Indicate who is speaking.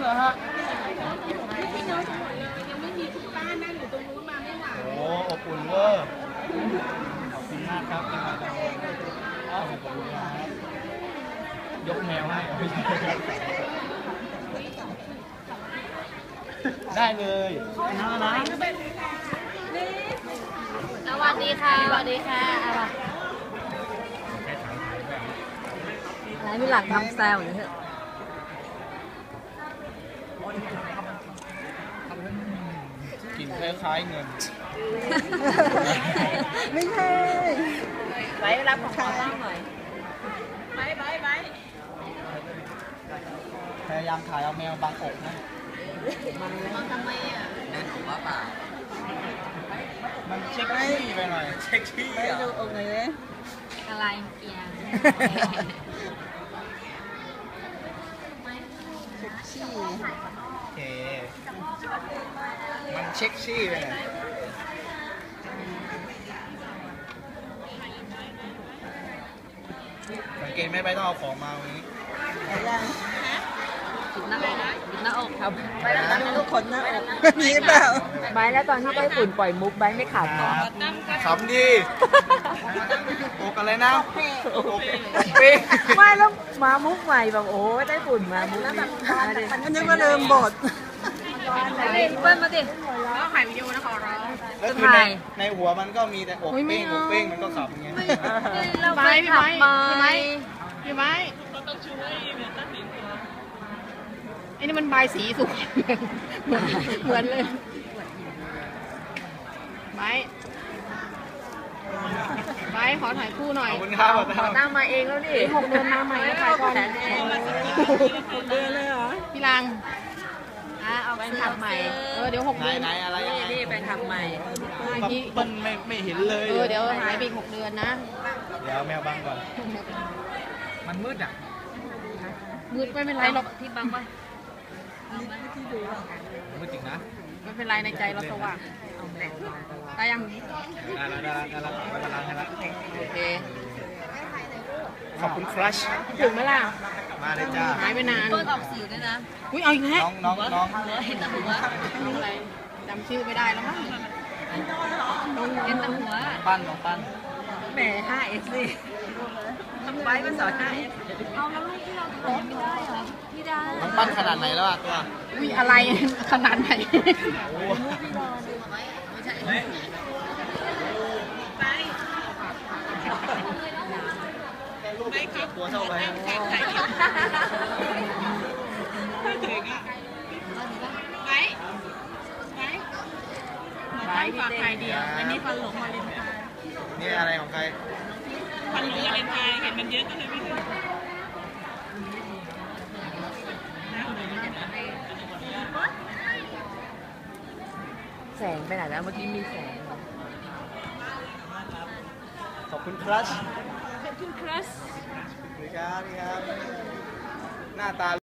Speaker 1: รอฮะ
Speaker 2: พี่น้องจะหมดเลยยังไม่มีคุณป้านั่งอยู่ตรงนู้นมาไม่ไหว
Speaker 1: โอ้อบอุ่นเวอร์ขอบคุณมากครับที่มาทำขอบคุณครับยกแมวให้ได้เลยนะนะ
Speaker 2: สวัสดีค่ะสวัสดีค่ะอะไรไหนมีหลังทำแซวอยู่เหรอ
Speaker 1: กินคล้ายๆเงิน
Speaker 2: ไม่ใช่ไว้รับของเขาบ้างหน่อยไว้
Speaker 1: พยายามถ่ายเอาแมวบางอกนะ
Speaker 2: มันทำไมอ่ะ
Speaker 3: เดินถูกว่าเปล่า
Speaker 1: มันเช็คที่ไปหน่อยเช็คที่อ่ะ
Speaker 2: ดูอกเลยอะไรเอียง
Speaker 1: โอเคมันเช็คชี่ไปหน่อยสังเกตไม่ไปต้องเอาของมาวันนี้
Speaker 2: ปิดหน้าอกปิดหน้าอกครับ
Speaker 4: ไปแล้วตั้งลูกคนหน้าอกมีเปล่า
Speaker 2: ไบแล้วตอนที่ไต้ฝุ่นปล่อยมุกไบไม่ขำหรอ
Speaker 1: ขำดีอกอะไรนะอกเป้ง
Speaker 2: ไม่แล้วมามุกใหม่แบบโอ้ไต้ฝุ่นมามุกแล้วแบบ
Speaker 4: อันนี้ก็เดิมบท
Speaker 2: เปิ้ลมาดิแล้วถ่ายวิดีโอนะขอร้อง
Speaker 1: แล้วคือในหัวมันก็มีแต่อกเป้งอกเป้งมันก็ขำไง
Speaker 2: เราไปขับมา
Speaker 5: พี่ไม้ไอ้นี่มันใบสีสุกเหมือนเลยไม้ขอถ่ายคู่หน่อย
Speaker 1: ขอบคุณครับ
Speaker 2: ขอตั้งมาเองแล้วดิ
Speaker 5: 6 เดือนมาใหม่ถ่ายก่อน
Speaker 4: เดินเลยเหรอ
Speaker 5: พี่ลัง
Speaker 2: เอาไปขับใหม่
Speaker 5: เดี๋ยว6 เดือน
Speaker 1: ไหนอะไรยังไง
Speaker 2: นี่ไปขับใหม่
Speaker 1: มันไม่เห็นเลย
Speaker 5: เดี๋ยวหายไปอีก6 เดือนนะ
Speaker 1: เดี๋ยวแมวบังก่อนมันมืดอ่ะ
Speaker 5: มืดไม่เป็นไรหรอก
Speaker 2: ที่บังปะ
Speaker 1: มืดจริงนะ
Speaker 5: ไม่เป็นไรในใจเราสว่างได้ยัง
Speaker 1: ได้แล้วไปกำลังให้แล้ว
Speaker 5: โอเค
Speaker 1: ขอบคุณครัช
Speaker 5: ถึงไหมล่ะ
Speaker 1: มาเลยจ้า
Speaker 5: หายไปนาน
Speaker 2: เปิ้ลออกสื่อด้วยนะ
Speaker 5: อุ้ยเอาอีกแล้ว
Speaker 1: น้อง
Speaker 2: เห็นแต่หัว
Speaker 5: น้องอะไรจำชื่อไม่ได้แล้วมั้ง
Speaker 2: เห็นแต่หัว
Speaker 1: น้องปั้น
Speaker 2: แหม 5S สิไว้มันสอน 5S เอาแล้วลูกที่เราถ่ายไม่ได้เหรอพี่ดา
Speaker 1: น้องปั้นขนาดไหนแล้วอ่ะตัว
Speaker 5: อุ้ยอะไรขนาดไหน
Speaker 1: โอ้
Speaker 2: ไม่ใช่
Speaker 1: ตัวเท่าไหร่
Speaker 5: ฝากใครเดียวอันนี้ฟันหลงมาเลนไทน์
Speaker 1: นี่อะไรของใคร
Speaker 5: ฟันหลงมาเลนไทน์เห็นมันเยอะก็เลยไม่ซื้อ
Speaker 2: แสงไปไหนแล้วเมื่อกี้มีแสง
Speaker 1: ขอบคุณครัช
Speaker 5: ขอบคุณครัส
Speaker 1: สวัสดีครับหน้าตา